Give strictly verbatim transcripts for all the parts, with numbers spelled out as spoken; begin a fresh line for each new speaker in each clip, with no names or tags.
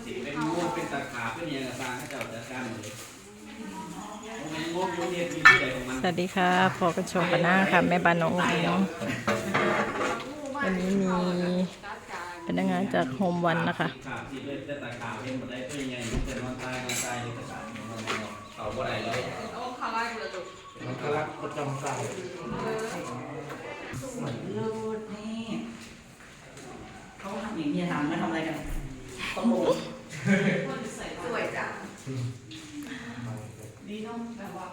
สีเป็นงูเป็นตะขาบเป็นยังกระซังให้เจ้าจัดการหมดเลยงูงูเด็ดมีที่ไหนของมัน
สวัสดีค่ะพอกันชมกันหน้าค่ะแม่บ้านน้องอุ๋งเนาะวันนี้มีพนักงานจากโฮมวันนะคะ
ขาบที่เลยตะขาบเป็นหมดได้เป็นยังเป็นนอนตายนอนตายเลยตะขาบเขาบ่ได้เลยเอาขาไล่กูเลยจุกมันก็รักประจำใจ
สวยเลิศนี่เขาทำอย่างนี้ทำไม่ทำอะไรกันตลกสวยจังดีเนาะแบบว่า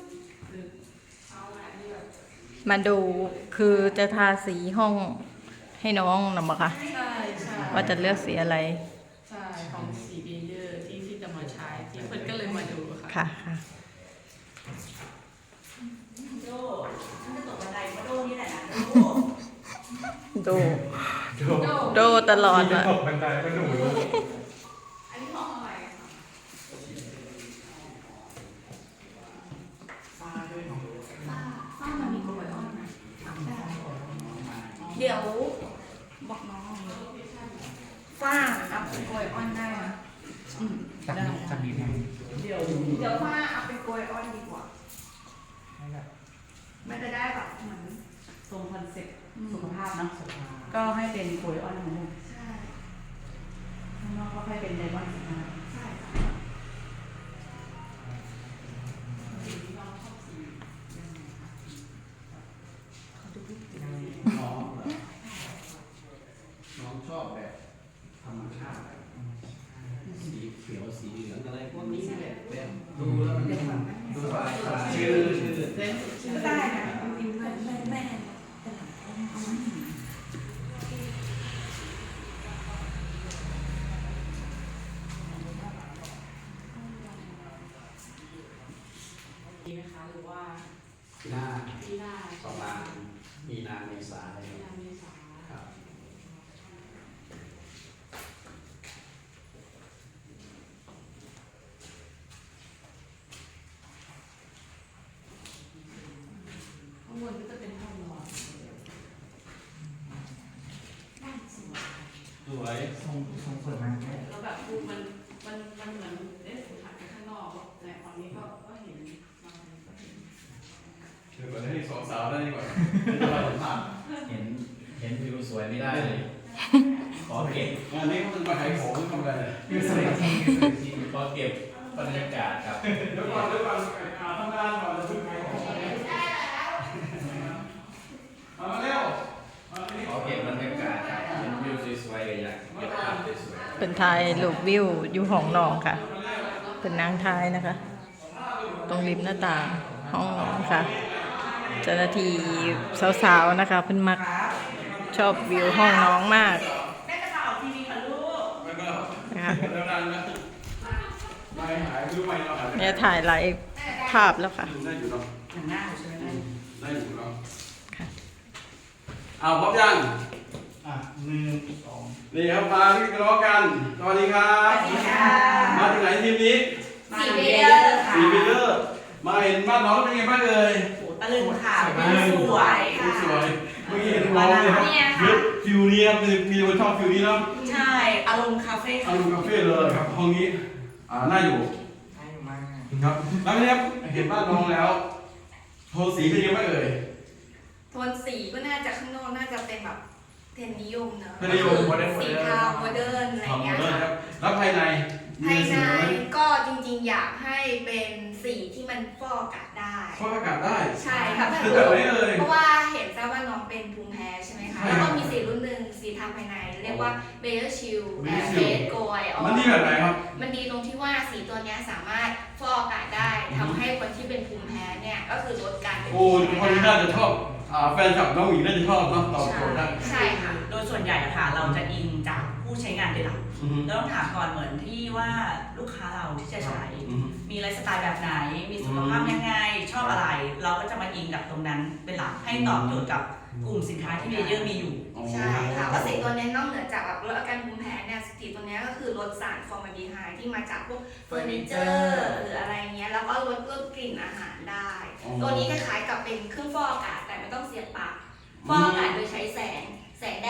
มาดูคือจะทาสีห้องให้น้องหรือเปล่าคะ
ใช่ใช่
ว่าจะเลือกสีอะไร
ใช่ของสีเบเยอร์ที่ที่จะมาใช้ที่เพื่อนก็เลยมาดูค่ะ
ค่ะค่ะ
โดฉันจะตกบันไดมาโดนี่แหละนะ
โดโดตลอดอะ
ตกบันไดก็หนู
อันนี้ห้องอะไรฟ้าด้วยเนาะฟ้าฟ้ามันมีกลวยอ่อนนะเดี๋ยวบอกน้องฟ้าอัพเป็นกลวยอ่อนได้นะอืมได้
จะมีไหม
เดี๋ยวเดี๋ยวฟ้าอัพเป็นกลวยอ่อนดีกว่าไม่จะได้แบบเหมือนทรงคอนเซ็ปต์สุขภาพเนาะก็ให้เป็นกลวยอ่อนเหมือนกันใช่ข้างนอกก็ให้เป็นไดมอนด์สีน้ำใช่
น้องน้องชอบแบบธรรมชาติสีเขียวสีเหลืองอะไรพวกนี้แบบแบบดูแล้วมันดูสบายชื่อเต้น
ก็ได้นะจริงๆแม่แม่แต่หลังเอาไว้
ดีไหมคะหรือว่า
หน้า
ที่หน้า
ประมาณมีนาเมษาอะไร
ที่หน้าเมษา
ครับ
ข้างบนก็จะเป็นห้องนอน
สวย
ทรงทรงสวยมาก
แล้วแบบดูมันมันมันเหมือนเอ๊ะหันไปข้างนอกแต่ฝั่งนี้ก็ก็เห็นมาก็เห็น
เดี๋ยวก่อนให้สองสาวได้ดีกว่าเราสัมผัสเห็นเห็นวิวสวยไม่ได้เลยขอเก็บงานนี้เขาเป็นมาขายของทำอะไร
ยูสวยจริงยูสวยจริง
ขอเก็บบรรยากาศครับ
เดี๋ยวก่อนเดี๋ยวก่อนทำงานก่อนจะพึ่งขายของเอามาเร็ว
ขอเก็บบรรยากาศเห็นวิวสวยๆเลยอยากเก็บภาพสวยๆ
เป็นทายลูกวิวอยู่ห้องนอนค่ะเป็นนางทายนะคะตรงริมหน้าต่างห้องนอนค่ะเจ้าหน้าที่สาวๆนะคะเพิ่นมักชอบวิวห้องน้องมาก
แม่จะพาออกทีวีค่ะลูก
นะคะ
ไม่หายรู้ไหมเราหาย
เนี่ยถ่ายหลายภาพแล้วค่ะ
ได้อยู่เนาะ
หนังหน้าใช่ไหม
ได้อยู่เนาะ
ค่ะ
เอาพร้อมยัง
อ่ะหนึ่งสอง
นี่ครับมาที่กระล้อกันสวัสดีครับ
สวัสดีค่ะ
มาที่ไหนทีมนี้
สีเบเยอร์ค่ะ
สีเบเยอร์มาเห็นบ้านน้องเป็นไงบ้างเอ่ย
ตะลึงค่ะสวยค่ะ
สวยเมื่อกี้เห็นน้องเลยครับยึดฟิวนี้ครับมีคนชอบฟิวนี้เนาะ
ใช่อารมณ์คาเฟ่
อารมณ์คาเฟ่เลยครับห้องนี้อ่าน่าอยู่
ได้อยู่มาก
ครับแล้วเนี่ยเห็นบ้านน้องแล้วโทนสีเป็นยังไงบ้างเอ่ย
โทนสีก็น่าจะข้างนอกน่าจะเป็นแบบเทรนนิยมเนอะ
เทรนนิยม
สีเทาโมเดิร์นอะไรเงี้ยค่ะ
แล้วภายใน
ภายในก็จริงๆอยากให้เป็นสีที่มันฟอกอากาศได้
ฟอกอากาศได้
ใช่ค่ะเพราะว่าเห็นทราบว่าน้องเป็นภูมิแพ้ใช่ไหมคะแล้วก็มีสีรุ่นหนึ่งสีทาภายในเรียกว่าเบเยอร์ชิลแอร์เฟสโกยออ
มันดีแบบไหนครับ
มันดีตรงที่ว่าสีตัวนี้สามารถฟอกอากาศได้ทำให้คนที่เป็นภูมิแพ้เนี่ยก็คือลดการเป็น
โอ้คนน่าจะชอบแฟนคลับน้องหมีน่าจะชอบเนาะตอบโจทย์ได้
ใช่ค่ะ
โดยส่วนใหญ่ค่ะเราจะอิงจากผู้ใช้งานเป็นหลักเราต้องถามก่อนเหมือนที่ว่าลูกค้าเราที่จะใช้มีไลฟ์สไตล์แบบไหนมีสุขภาพยังไงชอบอะไรเราก็จะมาอิงกับตรงนั้นเป็นหลักให้ตอบโจทย์กับกลุ่มสินค้าที่เบเยอร์มีอยู่
ใช่ค่ะว่าสีตัวนี้นอกเหนือจากแบบลดอาการภูมิแพ้เนี่ยสีตัวนี้ก็คือลดสารฟอร์มาลดีไฮด์ที่มาจากพวกเฟอร์นิเจอร์หรืออะไรเงี้ยแล้วก็ลดลดกลิ่นอาหารได้ตัวนี้คล้ายๆกับเป็นเครื่องฟอกอากาศแต่ไม่ต้องเสียบปลั๊กฟอกอากาศโดยใช้แสงแสงแดด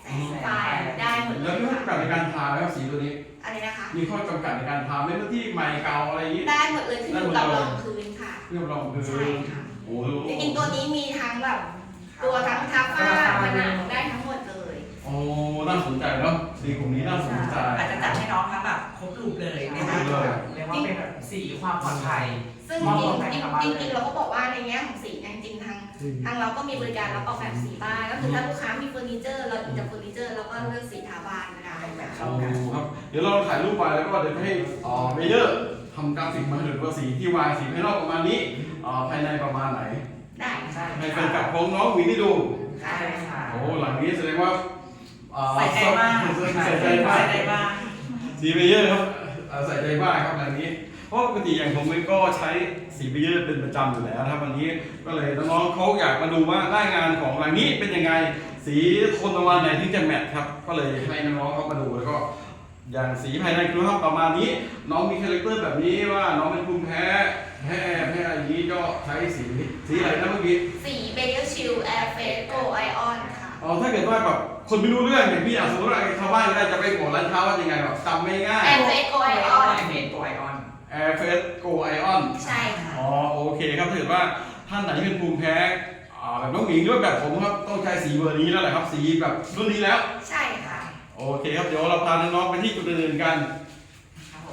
แสงไฟได้หมดเล
แล้ว
ย
มีข้อจำกัดในการทาไหมครับสีตัวนี้
อะไรนะคะ
มีข้อจำกัดในการทาไหมพื้นที่ใหม่เก่าอะไรอย่างนี้
ได้หมดเลยขึ้นอยู่กับรองพื้นค่ะ
เรียบร้อยคือ
ใช่ค่ะ
โอ้โห
จริงๆตัวนี้มีทั้งแบบตัวทั้งทับฝ้าผนังได้ทั้งหมดเลย
โอ้น่าสนใจเนาะสีกลุ่มนี้น่าสนใจ
อาจจะจัดให้น้องทั้งแบบครบรูปเลยนะ
คร
คะ
บเลย
เรียกว่าเป็นแบบสีความปลอดภัย
ซึ่งจริงๆจริงๆเราก็บอกว่าในแง่ของสีเนี่ยจริงๆทางทางเราก็มีบริการรับออกแบบสีบ้านก็คือถ้าลูกค้ามีเฟอร์นิเจอร์เราอินจากเฟอร์นิเจอร์เราก็เลือกสีทาบ้านก็ได้แบบ
โอ้ครับเดี๋ยวเราถ่ายรูปไปแล้วก็เดี๋ยวให้อ่าเมเยอร์ทำกราฟิกมาให้ดูว่าสีที่วางสีภายนอกประมาณนี้อ่าภายในประมาณไหน
ได้
ใช่
ให้แฟนคลับของน้องหวีนี่ดู
ค่ะ
ใช่ค่ะ
โอ้หลังนี้แสดงว่าอ่า
ใส่ใจมาก
ใส่ใจมาก
ใส่ใจมาก
สีเมเยอร์ครับอ่าใส่ใจมากครับหลังนี้ เพราะปกติอย่างผมเองก็ใช้สีเมเยอร์เป็นประจำอยู่แล้วนะครับวันนี้ก็เลยน้องๆเขาอยากมาดูว่าหน้างานของหลังนี้เป็นยังไงสีโทนประมาณไหนที่จะแมทครับก็เลยให้น้องๆเขามาดูแล้วก็อย่างสีภายในคือครับประมาณนี้ น้องมีคาแรคเตอร์แบบนี้ว่าน้องเป็นภูมิแพ้แพ้แพ้อะไรอย่างนี้ก็ใช้สีสีอะไรนะเมื่อกี้
สีเบเกอร์ชิลแอร์เฟสโกไอออนค่ะ
อ๋อถ้าเกิดว่าแบบคนไม่รู้เรื่องอย่างพี่อยากสมมติว่าไอ้ชาวบ้านก็ได้จะไปบอกร้านค้าว่ายังไงแบบจำไม่ง่าย
แอร์เฟสโกไอออน
เมนตัวไอออน
Air Face Go Ion
ใช่ค่ะ
อ๋อโอเคครับถ้าเกิดว่าท่านไหนที่เป็นภูมิแพ้อ่าแบบน้องหญิงหรือว่าแบบผมครับต้องใช้สีเบอร์นี้แล้วแหละครับสีแบบรุ่นนี้แล้ว
ใช่ค่ะ
โอเคครับเดี๋ยวเราพาน้องๆไปที่จุดอื่นๆกัน
ครับผม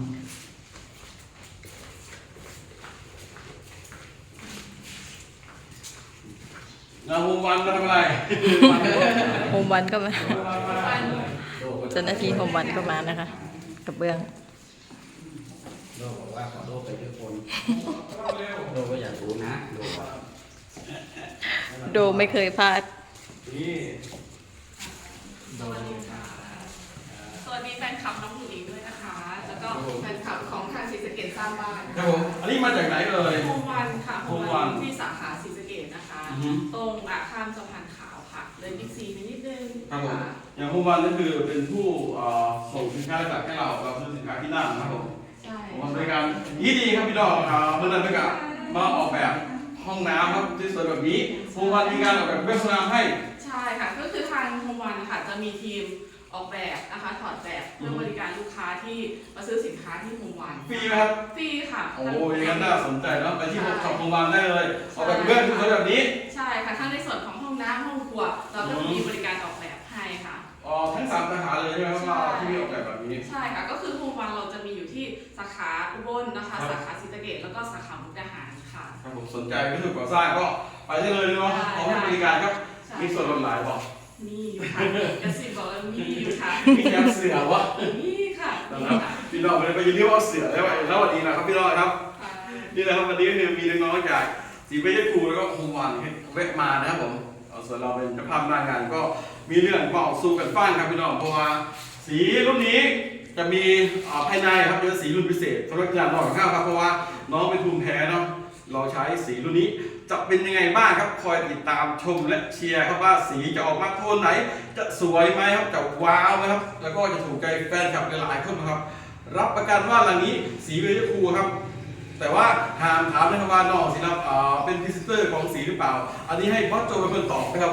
งานวงวันมาทำอะไร
โฮมวันก็มาเจ้าหน้าที่โฮมวันก็มานะคะกระเบื้อง
โดบอกว่าขอโดไปด้วยคนโดก็อยากรู้นะโดว่า
โดไม่เคยพลาด
นี่
สวัสดีค่ะ สวัสดีแฟนคลับน้องหนูอิงด้วยนะคะ แล้วก็แฟนคลับของทางศรีสะเกษสร้างบ้าน
ครับผมอันนี้มาจากไหนเอ่ย
โฮมวันค่ะโฮม
โฮมวั
วัน นที่สาขาศรีสะเกษนะคะ
อือฮึ
ตรงอ่ะข้ามสะพานขาวค่ะ เลยบิ๊กซีไปนิดนึง
ครับผม
ค่ะ
อย่างวงวันนั่นคือเป็นผู้อ่าส่งสินค้าหลักให้เราเราซื้อสินค้าที่นั่นนะครับผม
ใช่
ผมบริการยี่ดีครับพี่ดอกครับเมื่อนั้นไปกับมาออกแบบห้องน้ำครับที่สวยแบบนี้วงวันมีการออกแบบเว็บสนามให้
ใช่ค่ะ ก็คือทางโฮมวันค่ะจะมีทีมออกแบบนะคะถอดแบบเพื่อบริการลูกค้าที่มาซื้อสินค้าที่โฮมวัน
ฟรีไหมครับ
ฟรีค่ะ
โอ้ยงั้นน่าสนใจเนาะไปที่ช็อปโรงพยาบาลได้เลยออกแบบเว็บสวยแบบนี้
ใช่ค่ะทั้งในส่วนของห้องน้ำห้องครัว เราก็มีบริการออกแบบให้ค่ะ
อ๋อทั้งสามสาขาเลยใช่ไหมครับว่าที่มีออกแบบแบบนี้
ใช่ค่ะ ก็คือโฮมวันเราจะมีอยู่ที่สาขาอุบลนะคะ
ครับ
สาขาศรีสะเกษแล้วก็สาขามุกดาหารค่ะ
ครับผมสนใจก็ถือก่อสร้างก็ไปได้เลยเนาะขอให้บริการครับ
ใช่
มีส่วนลดหลายบอก
มีอยู่ค่ะกระสิบบอกแล้วมีอยู่ค่ะ
มีแคมเสือวะ
มีค่ะ
นะ
มี
ครับ
ค่ะ
พี่น้องเลยไปยืนเรียกว่าเสือได้ไหมแล้ววันนี้นะครับพี่น้องครับ
ค่ะ
นี่นะครับวันนี้ก็คือมีน้องๆจากสีเบย์ครูแล้วก็โฮมวันให้แวะมานะครับผมเอาส่วนเราเป็นเจ้าภาพหน้างานก็มีเรื่องก็สู้กันฟังครับพี่น้องเพราะว่าสีรุ่นนี้จะมีอ่าภายในครับเป็นสีรุ่นพิเศษสำหรับงานนอกข้าวครับเพราะว่าน้องเป็นภูมิแพ้เนาะเราใช้สีรุ่นนี้จะเป็นยังไงบ้างครับคอยติดตามชมและเชียร์ครับว่าสีจะออกมาโทนไหน จะสวยไหมครับจะว้าวไหมครับแล้วก็จะถูกใจแฟนคลับหลายๆคนนะครับ รับประกันว่าหลังนี้สีเบย์ครูครับ แต่ว่าห้ามถามนะครับว่าน้องสิครับอ่าเป็นพรีเซนเตอร์ของสีหรือเปล่า อันนี้ให้บอสโจเป็นคนตอบนะครับผม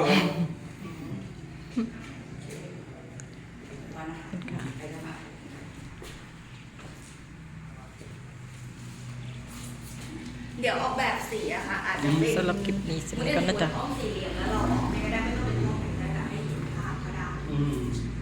ว่านะไปกันมา
เดี๋ยวออกแบบสีอะค่ะ อาจจะเป็น
สำหรับคลิปนี้สิ
ไม่
มัน
ได้
ก็
เป็น
น่าจะ
ห้องสี่เหลี่ยมแล้วเราออกไม่ได้ไม่ต้องเป็นห้องไหนก็ได้ให้เห็นภาพก็ได้
อืม